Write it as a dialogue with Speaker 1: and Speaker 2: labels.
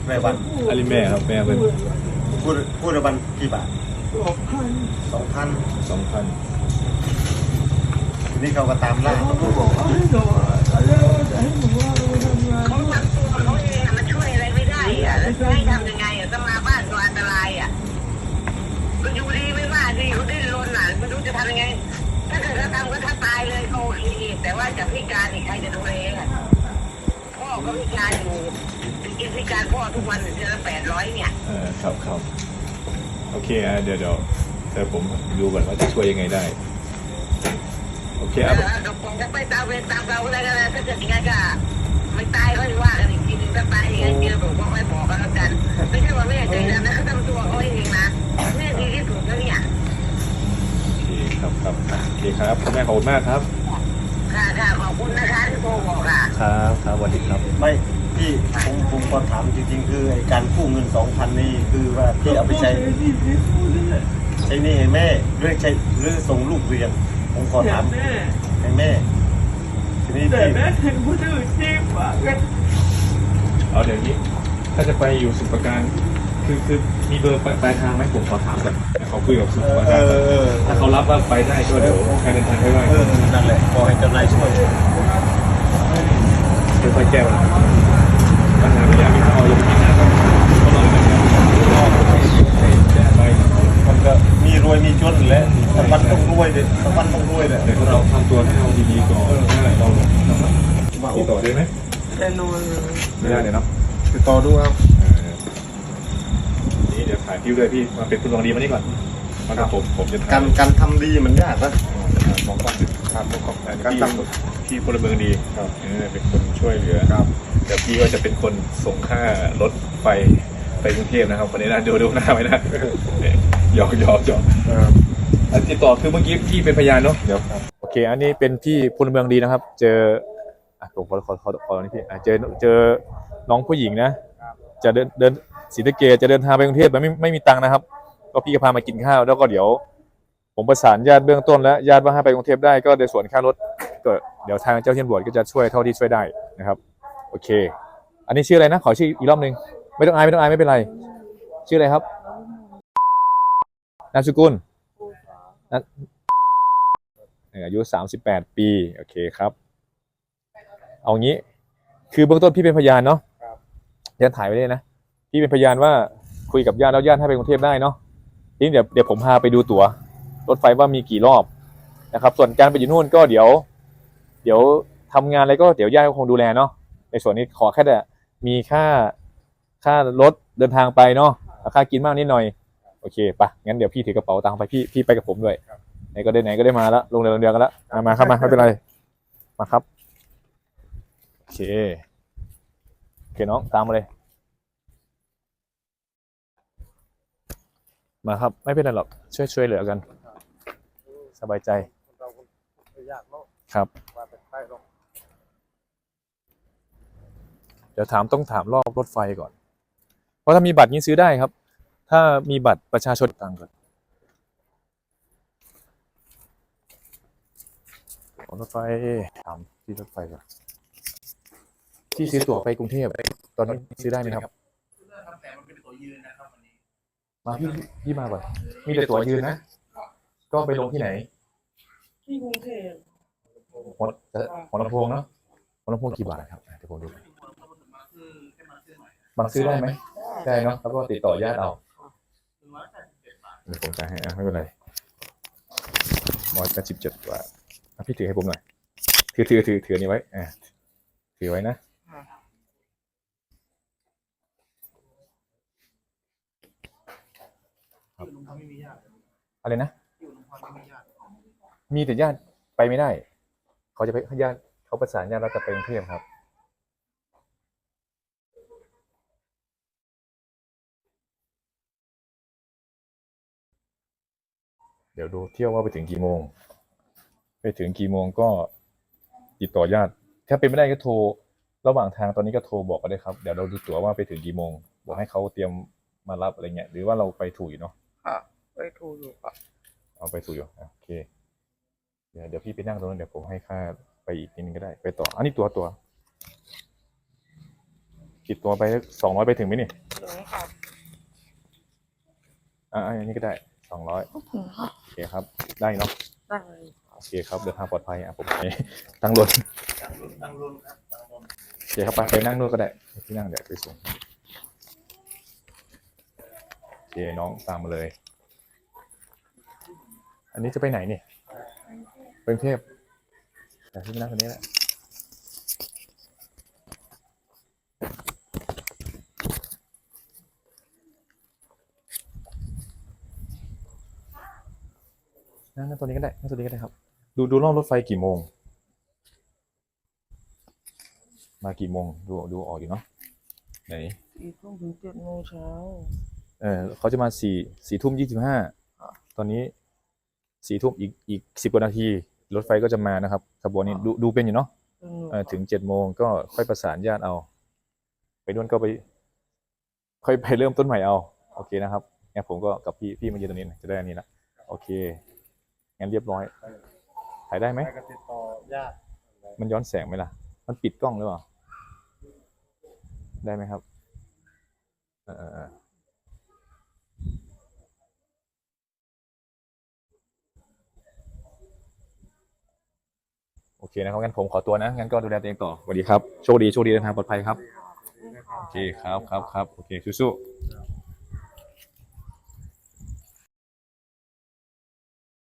Speaker 1: แม่วัน
Speaker 2: อันนี้แม่ครับแม่เป็น
Speaker 1: พูดวันกี่บาท2,000ทีนี้เขาก็ตามล่า
Speaker 3: เขาทำตัวเขาเองมันช่วยอะไรไม่ได้อะแล้วจะให้ทำยังไงอะต้องมาบ้านตัวอันตรายอะก็อยู่ดีไม่ว่าดีเขาดิ้นรนอ่ะไม่รู้จะทำยังไงถ้าเกิดเขาทำก็ถ้าตายเลยโอเคแต่ว่าจะพิการอีกใครจะดูแลอะพ่อก็พิการอยู่กินพิการพ่อทุกวันเดือนละ800เนี่ย
Speaker 2: ครับโอเคเดี๋ยวผมดูก่อนว่าจะช่วยยังไงได้โอเคครับ
Speaker 3: ผมจะไปตามเวรตามเราอะไรกันนะถ้าเกิดยังไงก็ไม่ตายก็ว่ากันอีกทีนึงถ้าตายยังไงเจอผมก็ไม่บอกกันแล้วกันไม่ใช่ว่าแม่ใจดำนะเขาทำตัวเขาเองนะแม่ดีที่สุดแล้วเนี่ย
Speaker 2: โอเคครับโอเคครับคุณแม่ขอบคุณมากครับ
Speaker 3: ค่ะขอบคุณนะคะที่โทรบอกค่ะ
Speaker 2: ครับสวัสดีครับ
Speaker 1: ไม่พี่ผมขอถามจริงๆคือไอ้การกู้เงิน 2,000 นี่คือว่าพี่เอาไปใช้หนี้ให้แม่หรือส่งลูกเรียนผมขอถามให้แม่ทีนี้
Speaker 4: แต่แม่เห็นผู้อื่นที่ฝากกัน
Speaker 2: เอาเดี๋ยวนี้ถ้าจะไปอยู่สุประการคือมีเบอร์ปลายทางไหมผมขอถามก่อนเขาคุยกับสุประการถ้าเขารับว่าไปได้ก็เดี๋ยวการเดินทางให้ได้
Speaker 1: นั่นแหละขอให้เจ้านายช่วย
Speaker 2: ค่อยๆแก้ปัญหาไม่อยากมีเขาอย่างนี้นะก็หน่อย
Speaker 1: มันก็มีรวยมีจนแหละสักวันต้องรวยเด็ดสักวันต้องรวยแหละ
Speaker 2: แต่เราทำตัวให้เราดีๆก่อนเราติดต่อได้ไหม
Speaker 4: แต่นอน
Speaker 2: ไม่ได้เลยเนาะ
Speaker 1: ติดต่อดูครับ
Speaker 2: นี่เดี๋ยวถ่ายพิ้วเลยพี่มาเป็นคุณลองดีมานี่ก่อนมาครับผมจะ
Speaker 1: การทำดีมันยากนะ
Speaker 2: ของความครับของการทำพี่พลเมืองดีเป็นคนช่วยเหลือ
Speaker 1: ครับ
Speaker 2: เดี๋ยวพี่ก็จะเป็นคนส่งค่ารถไปกรุงเทพนะครับวันนี้นะดูหน้าไว้นะหยอกติดต่อคือเมื่อกี้พี่เป็นพยานเนาะเดี๋ยวโอเคอันนี้เป็นพี่พลเมืองดีนะครับเจอผมขอนี่พี่เจอน้องผู้หญิงนะจะเดินศรีสะเกษจะเดินทางไปกรุงเทพไม่มีตังค์นะครับก็พี่ก็พามากินข้าวแล้วก็เดี๋ยวผมประสานญาติเบื้องต้นแล้วญาติว่าให้ไปกรุงเทพได้ก็ในส่วนค่ารถก็เดี๋ยวทางเจ้าที่ตำรวจก็จะช่วยเท่าที่ช่วยได้นะครับโอเคอันนี้ชื่ออะไรนะขอชื่ออีกรอบนึงไม่ต้องอายไม่เป็นไรชื่ออะไรครับนามสกุลอายุ38 ปีโอเคครับเอางี้คือเบื้องต้นพี่เป็นพยานเนาะยันถ่ายไว้เลยนะพี่เป็นพยานว่าคุยกับญาติแล้วญาติให้ไปกรุงเทพได้เนาะทีนี้เดี๋ยวผมพาไปดูตั๋วรถไฟว่ามีกี่รอบนะครับส่วนการไปอยู่นู่นก็เดี๋ยวทำงานอะไรก็เดี๋ยวญาติคงดูแลเนาะในส่วนนี้ขอแค่มีค่ารถเดินทางไปเนาะค่ากินมากนิดหน่อยโอเคปะงั้นเดี๋ยวพี่ถือกระเป๋าตังค์ไปพี่ไปกับผมด้วยไหนก็ได้มาแล้วลงเรือกันแล้วมาครับมาไม่เป็นไรมาครับโอเคน้องตามมาเลยมาครับไม่เป็นไรหรอกช่วยเหลือกันสบายใจครับเดี๋ยวต้องถามรอบรถไฟก่อนเพราะถ้ามีบัตรนี้ซื้อได้ครับถ้ามีบัตรประชาชนต่างก่อนรถไฟถามที่รถไฟก่อนที่ซื้อตั๋วไปกรุงเทพตอนนี้ซื้อได้ไหมครับแต่มันเป็นตั๋วยืนนะครับวันนี้มาพี่มาก่อนมีแต่ตั๋วยืนนะก็ไปลงที่ไหน
Speaker 4: ที่กรุงเทพ
Speaker 2: หัวลำโพงเนาะหัวลำโพงกี่บาทครับเดี๋ยวผมดูบางซื้อได้ไหมได้เนาะแล้วก็ติดต่อญาติเอาเดี๋ยวผมจ่ายให้ไม่เป็นไร187 บาทพี่ถือให้ผมหน่อยถือนี้ไว้ถือไว้นะอะไรนะมีแต่ญาติไปไม่ได้เขาจะไปญาติเขาประสานญาติเราจะไปกรุงเทพครับเดี๋ยวดูเที่ยวว่าไปถึงกี่โมงก็ติดต่อญาติถ้าเป็นไม่ได้ก็โทรระหว่างทางตอนนี้ก็โทรบอกกันได้ครับเดี๋ยวเราดูตั๋วว่าไปถึงกี่โมงบอกให้เขาเตรียมมารับอะไรเงี้ยหรือว่าเราไปถูกอยู่เนาะ
Speaker 4: ไปถูกอยู่ครับ
Speaker 2: เอาไปถูกอยู่โอเคเดี๋ยวพี่ไปนั่งตรงนั้นเดี๋ยวผมให้ค่าไปอีกนิดนึงก็ได้ไปต่ออันนี้ตั๋วติดตัวไป200ไปถึงไหมนี่
Speaker 4: ถึงค่ะ
Speaker 2: อันนี้ก็ได้200
Speaker 4: ถึงค่ะ
Speaker 2: โอเคครับ ได้เนาะ
Speaker 4: ได้
Speaker 2: โอเคครับเดินทางปลอดภัยผมไปตั้งรถ
Speaker 1: ตั้งรุ่นครับตั้งรุ่น
Speaker 2: โอเคครับไปนั่งนู่นก็ได้ที่นั่งเดี๋ยวไปส่งโอเคน้องตามมาเลย อันนี้จะไปไหนนี่ไปกรุงเทพแต่ที่นั่งคนนี้แหละนั่งตัวนี้ก็ได้นั่งตัวนี้ก็ได้ครับดูรอบรถไฟกี่โมงมากี่โมงดูออกอยู่เนาะไหน
Speaker 4: 4 ทุ่มถึง7 โมงเช้า
Speaker 2: เขาจะมา4 ทุ่ม 25ตอนนี้4 ทุ่มอีก10 กว่านาทีรถไฟก็จะมานะครับขบวนนี้ดูเป็นอยู่เนาะถึง7 โมงก็ค่อยประสานญาติเอาไปนู่นก็ไปค่อยไปเริ่มต้นใหม่เอาโอเคนะครับงั้นผมก็กับพี่มายืนตรงนี้นะจะได้อันนี้ละโอเคงั้นเรียบร้อยถ่ายได้ไหม
Speaker 1: ไปก็ติดต่อญาติ
Speaker 2: มันย้อนแสงไหมล่ะมันปิดกล้องหรือเปล่าได้ไหมครับโอเคนะครับงั้นผมขอตัวนะงั้นก็ดูแลตัวเองต่อสวัสดีครับโชคดีเดินทางปลอดภัยครับโอเคครับโอเคสู้ๆ